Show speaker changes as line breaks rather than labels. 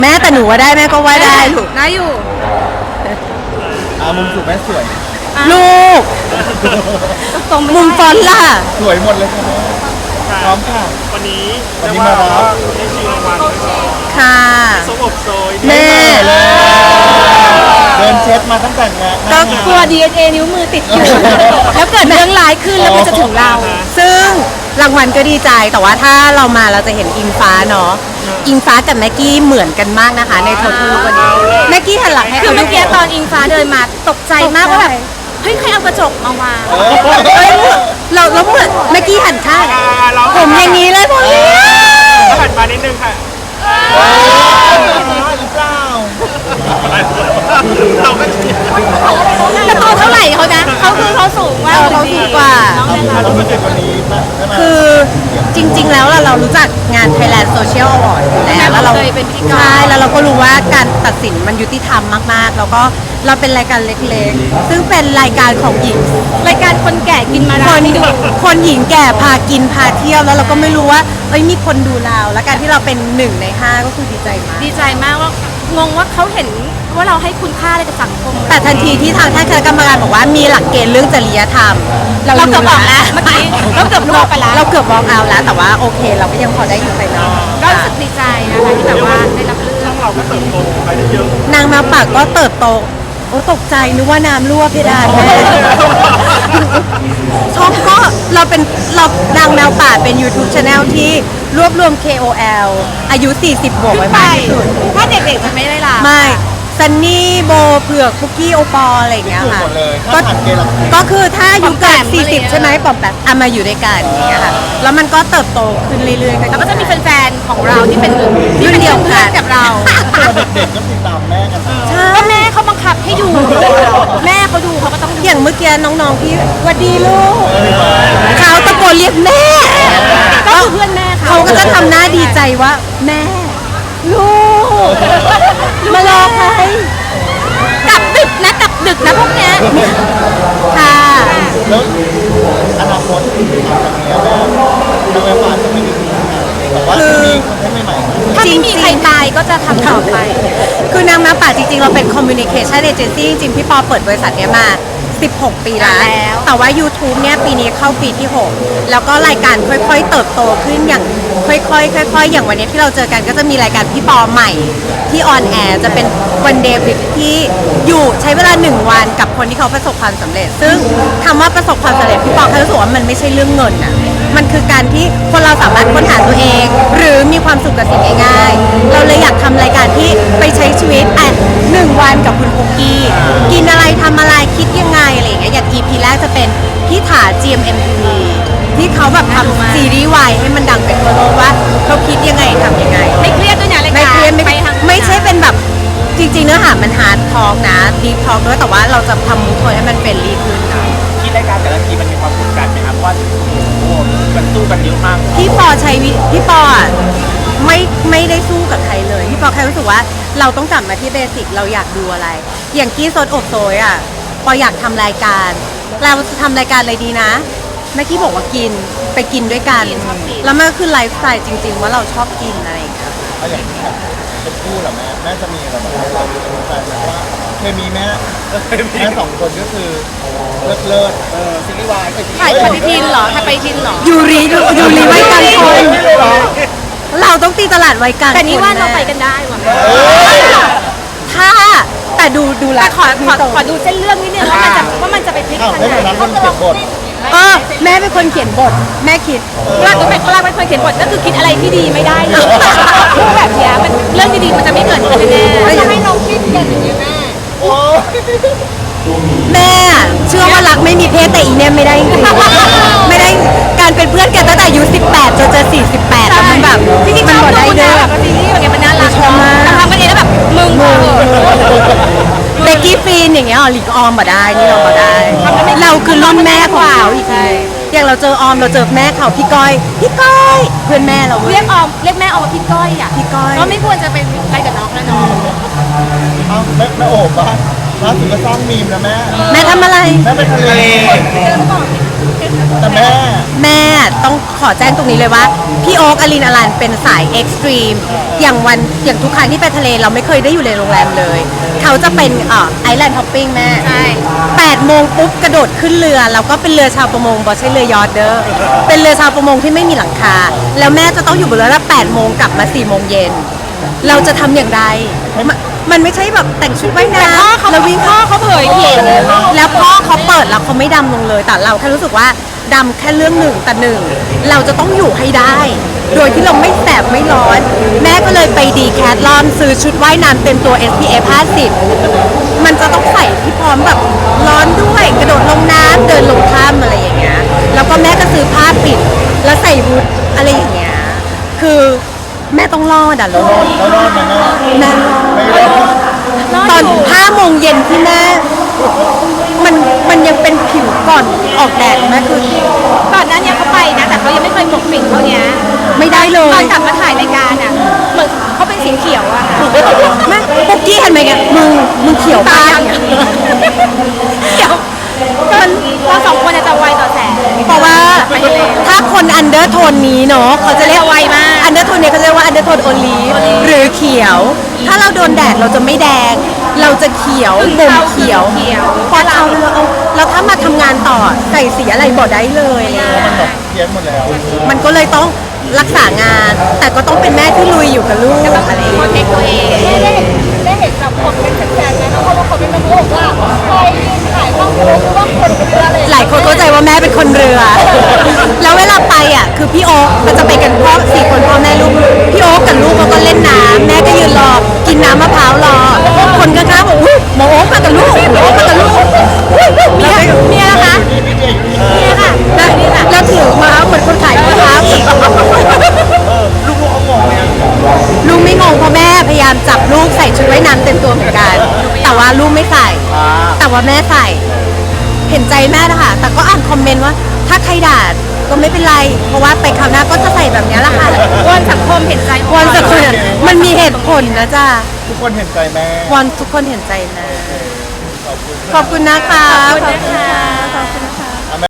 แม่แต่หนูว่าได้แม่ก็ว่าได้ลูก
ได้อยู่
มุมสูงแม่สวย
ลูก
ตรงๆไม่
มุมฟ
ได้
อนต์ล่ะ
สวยหมดเลยค่ะแม่พร้อมค่ะ
วันนี้
วันนี้มารับ
ได้ชิงรางวัลด้วย
ค่ะ
สมบโซย
แม่
เดินเช็ดมาตั้งแต่งาน
ก็
กลัว DNA นิ้วมือติดอยู่ แล้วเกิดเรื่องร้ายขึ้นแล้วมันจะถึงเรา
ซึ่งรางวัลก็ดีใจแต่ว่าถ้าเรามาเราจะเห็นอิงฟ้าเนาะอิงฟ้ากับแม็กกี้เหมือนกันมากนะคะ ในโททูวันนี้แม็กกี้หันหลังให้
คือเมื่อกี้
ขาดู
ตอนอิงฟ้าเดินมาตกใจมากว่าแบบเฮ้ยใครเอากระจกมาวาง
เฮ้ยเราเหมือนแม็กกี้หันข้าง
เรา
ผมอย่างนี้เลยผมอย่างนี้
หันมานิดนึงค่ะ
หรือเปล่า
เราก็เชียร์
แต่ตัวเท่าไหร่เขานะเขาสูงมาก
เขาสูงกว่า
น้องเลยค่ะ
เราไม่เจอวันนี้มาได้มา
คือจริงๆแล้วเรารู้จักงาน Thailand Social Award อยู่แล้วเรา
เคยเป็นพิธีกร
ใช่แล้วเราก็รู้ว่าการตัดสินมันยุติธรรมมากๆ แล้วก็เราเป็นรายการเล็กๆ ซึ่งเป็นรายการของหญิง
รายการคนแก่กินมา
ค
ราน
น
นี่ดู
คนหญิงแก่พากินพาเที่ยวแล้วเราก็ไม่รู้ว่าเอ้ยมีคนดูเราแล้วการที่เราเป็น1 ใน 5ก็คือดีใจมาก
ดีใจมากว่างงว่าเขาเห็นว่าเราให้คุณค่าอะไรกับสังคม
แต่ทันทีที่ทางท่านคณะกรรมการบอกว่ามีหลักเกณฑ์เรื่องจริยธรรม
เราเกือบบอกแล้วเมื่อกี้เราเกือบรู้ไปแล้ว
เราเกือบมองเอาแล้วแต่ว่าโอเค เราก็ยังพอได้อยู่ภายนอก
ก็รู้สึกดีใจนะคะที่แบบว่าได้รับเลือก
เราก็เติบโตไปได้เยอะ
นางแมวป่าก็เติบโตโอ้ตกใจนึกว่าน้ำรั่วเพดานแม่ช่องก็เรานางแมวป่าเป็น YouTube Channel ที่รวบรวม KOL อายุ 40 บวกไว้มากที่สุด
ถ้าเด็กๆจะไม่ได้รับ
ไม่ซันนี่โบเผือกคุกกี้โอปอลอะไรอย่างเงี้ย
ถูก
ค่ะ
หมดเลย
ก็
ถ้าผ่านเกณฑ์หลักเกณฑ์
ก็คือถ้าอายุเกิน
ปอมแปมอะไรอย่างเงี้ย
40 ใช่ไหมปอมแบบมาอยู่ด้วยกันอย่างเงี้ยค่ะแล้วมันก็เติบโตขึ้นเรื่อยๆ
แล้วก็จะมีแฟนๆของเราที่เป็น
รุ่นเดียวกัน
พื่อนกับเรา
เด็กๆก็ติดตามแม่กันนะ
ใช่
ก็แม่เขาบังคับให้ดู แม่เขาดูเขาก็ต้องดู
อย่างเมื่อกี้น้องๆพี่หวัดดีลูกเขาตะโกนเรียกแม่
ก็คือเพื่อนแม่เขา
เขาก็จะทำหน้าดีใจว่าแม่ ลูกมารอใคร
กลับดึกนะกลับดึกนะพวกเนี้ย
ค่ะ
แล้วอนาคตหลังจากนี้แม่ทางแม่ป่าจะไม่มีทีมงานแต่ว่าจะมีคอนเทนต์ใหม่ๆนะ
ถ้าไม่มีใครตายก็จะทำต่อไป
คือนางแมวป่าจริงๆ เราเป็น communication agency จริงๆ พี่ปอเปิดบริษัทเนี้ยมา 16 ปีแล้ว แต่ว่า YouTube เนี่ยปีนี้เข้าปีที่ 6 แล้วก็รายการค่อยๆ เติบโตขึ้นอย่างค่อยๆ อย่างวันนี้ที่เราเจอกันก็จะมีรายการพี่ปอใหม่ที่ออนแอร์จะเป็นวันเดย์ที่อยู่ใช้เวลา 1 วันกับคนที่เขาประสบความสำเร็จ ซึ่งคำว่าประสบความสำเร็จพี่ปอเขารู้สึกว่ามันไม่ใช่เรื่องเงินอะมันคือการที่คนเราสามารถค้นหาตัวเอง หรือมีความสุขกับสิ่งง่ายๆ เราเลยอยากทำรายการที่ไปใช้ชีวิต1 วันกับคุณปุ๊กกี้กินอะไรทำอะไรคิดยังไงอะไรอย่างเงี้ยอย่าง EP แรกจะเป็นพี่ถา GMMTV ที่เขาแบบทำซีรีส์วายให้มันดังไปทั่วโลกว่าเขาคิดยังไงทำยังไง
ไม่เครียดด้วยนะราย
ไม่
การ
เครียดไม่
ไปทาง
ไม่ใช่เป็นแบบจริงๆเนื้อหามันฮาร์ดทอกนะดีทอกด้วยแต่ว่าเราจะทำมูทโทนให้มันเป็นรีขึ้นค่ะ
คิดรายการแต่ละทีมันมีความกดดันไหมครับว่าโอ้โหมันสู้กันเยอะมาก
พี่ปอใช้พี่ปออ่ะไม่ได้สู้กับใครเลยพี่ปอแค่รู้สึกว่าเราต้องกลับมาที่เบสิกเราอยากดูอะไร อย่างกี้ซดอบโซยอ่ะปออยากทำรายการเราจะทำรายการอะไรดีนะแม่กี้บอกว่ากินไปกินด้วยกันแล้วมันก็คือไลฟ์สไตล์จริง ๆ ว่าเราชอบกินอะไรอย่างเงี้ย
เอาอย่างที่แบบเป็นคู่เหรอแม่จะมีอะไรแบบเราเป็นแฟนนะว่าเคมีแม่สองคนก็คือเลิศซีรีส์วาย
ถ่ายปฏิทินเหรอถ่ายปฏิทินเหรอ
ยูรีไว้กลางคนเราต้องตีตลาดไว้กลาง
แต่นี่ว่า
ค
เรา
แม่
ไปกันได้ว่ะ
ถ้าแต่ดูแล
แต่ขอดูเส้นเรื่องนิดนึงว่ามันจะไปพลิก
อ้าว
ทาง
ไม่
ไห
เป็นนั้น
น
คนเขียนบท
แม่เป็นคนเขียนบทแม่คิด
ลากเป็นคนเขียนบทก็คือคิดอะไรที่ดีไม่ได้เลยพูดแบบเนี้ยมันเรื่องดีๆมันจะไม่เกิดขึ้นแน่ๆจะให้น้องคิดอย่างนี้แม่
โอ้ย
แม่อะเชื่อว่ารักไม่มีเพศแต่อีเนี่ยไม่ได้จริงๆไม่ได้การเป็นเพื่อนกันตั้งแต่อายุ18จนจะ48แล้วมันแบบ
จริงๆ
มัน
ช
ห
อ
ม
บ
ดได้
ดู
เด้
นะ
อ
แบบซีรีส์แบบเนี้ยมันน่ารัก
ชอบมาก
แต่ทำกันเองแล้วแบบมึง
เบกกี้ฟีนอย่างเงี้ยหลีกออมมาได้นี่เรามาได้เราคือรุ่นแม่ของเขาอีกทีอย่างเราเจอออมเราเจอแม่เขาพี่ก้อยเพื่อนแม่เราเว้
เรี
ย
ยกแม่ออมว่าพี่ก้อยอ่ะ
พี่ก้อย
ก็ไม่ควรจะเป็นอะไรกับน้องแล้วน้อง
เอาแม่โอบบ้างล่าสุดก็สร้างมีมนะแม่
แม่ทำอะไร
แม่ไปทะเลแต่แม่
แม่ต้องขอแจ้งตรงนี้เลยว่า พี่โอ๊กอลินอลันเป็นสายเอ็กซ์ตรีมอย่างทุกครั้งที่ไปทะเลเราไม่เคยได้อยู่ในโรงแรมเลย เขาจะเป็นไอแลนด์ฮอปปิ้งแม่
ใช่
8 โมงปุ๊บกระโดดขึ้นเรือ แล้วก็เป็นเรือชาวประมงบอใช่เรือยอทเด้อเป็นเรือชาวประมงที่ไม่มีหลังคา แล้วแม่จะต้องอยู่บนเรือแล้ว8 โมงกลับมา4 โมงเย็นเราจะทำอย่างไรมันไม่ใช่แบบแต่งชุดว่ายน้ำแล้ววิ่ง
พ่อเขาเผยผิด
แล้วพ่อเขาเปิดแล้วเขาไม่ดำลงเลย แต่เราแค่รู้สึกว่าดำแค่เรื่องหนึ่งแต่หนึ่งเราจะต้องอยู่ให้ได้ โดยที่เราไม่แสบไม่ร้อน แม่ก็เลยไปดีแคทลอนซื้อชุดว่ายน้ำเต็มตัว SPF 50 มันจะต้องใส่ที่พร้อมแบบร้อนด้วยกระโดดลงน้ำเดินลงถ้ำอะไรอย่างเงี้ยแล้วก็แม่ก็ซื้อผ้าปิดแล้วใส่ฮูดอะไรอย่างเงี้ยคือแม่ต้องรอดอ่ะลูก
แล้วรอดไหมแม่
แม่รอด
ไม่รอด
ตอน5 โมงเย็นที่แม่มันยังเป็นผิวก่อนออกแดดแม่คือ
ก่อนหน้านี้เขาไปนะแต่เขายังไม่เคยปกปิดเท่านี้
ไม่ได้เล
ตอย นกลับมาถ่ายรายการอ่ะเหมือนเขาเป็นสีเขียวอะค่ะ
แม่ปุ๊กกี้เห็นไหมแกมึงเขียว
ตา
ป้าย
เขียวมันเราสองคนจะไวต่อแสง
เพราะว่าถ้าคนอันเดอร์โทนนี้เนาะเขาจะเรียก
จะไวมาก
อันเดอร์โทนนี้เขาจะเรียกว่าอันเดอร์โทนโอลีฟหรือเขียว ถ้าเราโดนแดดเราจะไม่แดง เราจะเขียวบ่มเขียวพอเราเอาแล้วถ้ามาทำงานต่อใส่สีอะไรบ่ได้เลยอะไรอย่างเงี้ย
มันแบบเพี้ยนหมดแล้ว
มันก็เลยต้องรักษางาน แต่ก็ต้องเป็นแม่ที่ลุยอยู่กับลูกอะไรอย่าง
โปร
เงี้ย
เทคตัวเอง
ได้เห็นแบบคอมเมนต์แฟนๆไหมเพราะว่าคอมเมนต์มันบอกว่าใครยืนถ่ายบ้างรู้ว่าคนเรืออะไร
หลายคนเข้าใจว่าแม่เป็นคนเรือ แล้วเวลาไปอ่ะคือพี่โอ๊คมันจะไปกันพ่อ4 คนพ่อแม่ลูก พี่โอ๊คกับลูกเขาก็เล่นน้ำแม่ก็ยืนรอ กินน้ำมะพร้าวรอ คนข้างๆบอกอุ้ยหมอโอ๊คมากับลูกหมอโอ๊คมากับลูกอุ๊ยเมียนะคะ
พี่เจอยู่นี่
เมียค่ะได้นี่ค่ะแล้วถือมาเหมือนคนขายมะพร้าว
ลูกเขางงเลยอะ
ลูกไม่งงเพราะแม่พยายามจับลูกใส่ชุดว่ายน้ำเต็มตัวเหมือนกัน แต่ว่าลูกไม่ใส่ แต่ว่าแม่ใส่ เห็นใจแม่นะคะ แต่ก็อ่านคอมเมนต์ว่า ถ้าใครด่าก็ไม่เป็นไร เพราะว่าไปคราวหน้าก็จะใส่แบบนี้แหละค่ะ
วอนสังคมเห็นใจ
วอนสักคนมันมีเหตุผลนะจ๊ะ
ทุกคนเห็นใจแม่
วอนทุกคนเห็นใจนะ ขอบคุณนะคะ
ขอบคุณนะคะขอบคุณนะคะ